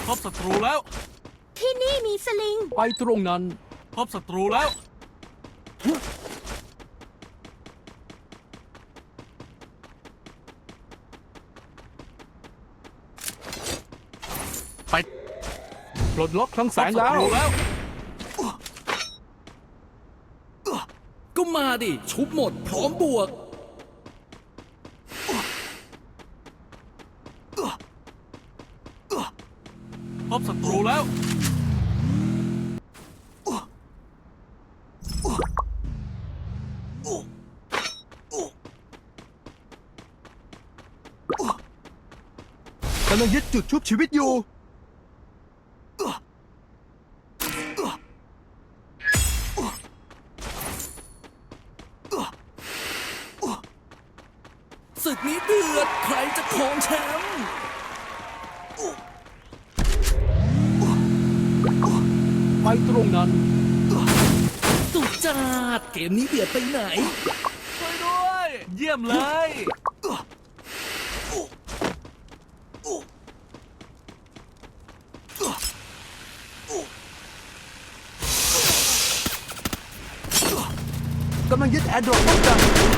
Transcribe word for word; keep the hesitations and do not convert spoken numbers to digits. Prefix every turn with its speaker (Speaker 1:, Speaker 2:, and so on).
Speaker 1: พบศัตรูแล้ว
Speaker 2: ที่นี่มีสลิง
Speaker 3: ไปตรงนั้น
Speaker 1: พบศัตรูแล้ว ไป
Speaker 3: ปลดล็อกคลังแส
Speaker 1: พบ
Speaker 3: ง
Speaker 1: ศั
Speaker 3: แล้ว
Speaker 1: ตรูแล้ว
Speaker 4: ก็มาดิ ชุบหมดพร้อมบวก
Speaker 1: พบศัตรูแล้ว
Speaker 5: กำลังยึดจุดชุบชีวิตอยู่
Speaker 4: ศึกนี้เดือด ใครจะครองแชมป์
Speaker 3: ไปตรงนั้น
Speaker 4: สุดจัดเกมนี้เดือดไปไหน
Speaker 1: ช่วยด้วย เยี่ยมเลย
Speaker 5: กำลังยึดแอร์ดรอปป้องกัน